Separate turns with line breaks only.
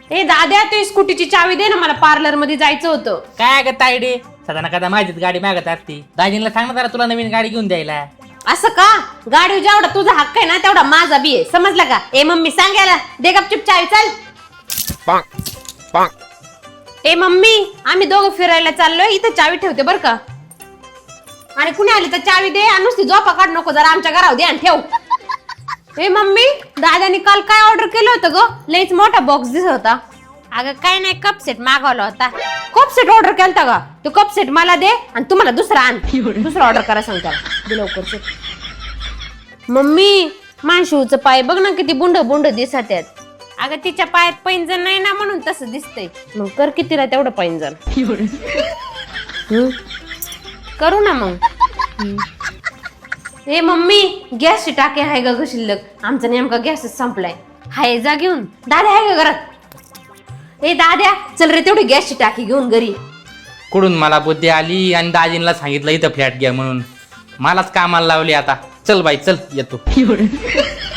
ए दाद्या तू स्कूटीची चावी दे ना, मला पार्लर मध्ये जायचं होतं.
काय ग तायडे, सदा ना कदा माझीच गाडी मागत असती. दाजींना सांग ना जरा तुला नवीन गाडी घेऊन द्यायला.
असं का? गाडी जेवढा तुझा हक्क आहे ना तेवढा माझा बी आहे, समजला का? ए मम्मी सांगायला दे गपचूप चावी, चल. ए मम्मी, आम्ही दोघं फिरायला चाललोय, इथं चावी ठेवते बर का. आणि कुणी आली तर चावी दे, आणि नुसती झोपा काढ नको, जरा आमच्या घरावर दे आणि ठेव. ए मम्मी, दादानी काल काय ऑर्डर केलं होतं ग? लईच मोठा बॉक्स दिसत होता. अगं काय नाही, कप सेट मागवला होता. कप सेट ऑर्डर केलता का? तो कप सेट मला दे आणि तुम्हाला दुसरा आण. दुसरा ऑर्डर करा सांगता दे लवकर. मम्मी, माणशिवचं पाय बघ ना किती बुंड बुंड दिसत आहेत. अगं तिच्या पायात पैंजण नाही ना म्हणून तसं दिसतंय. मग कर कितीला तेवढं पैंजण. करू ना मग. ए मम्मी, गॅसची टाकी आहे का ग शिल्लक? आमचा नेमका गॅसच संपलाय. हाय जा घेऊन. दादा आहे का घरात? ए दाद्या, चल रे तेवढी गॅसची टाकी घेऊन घरी.
कुठून मला बुद्धी आली आणि दाजींना सांगितलं इथं फ्लॅट घ्या म्हणून. मलाच कामाला लावली आता. चल बाई चल, येतो.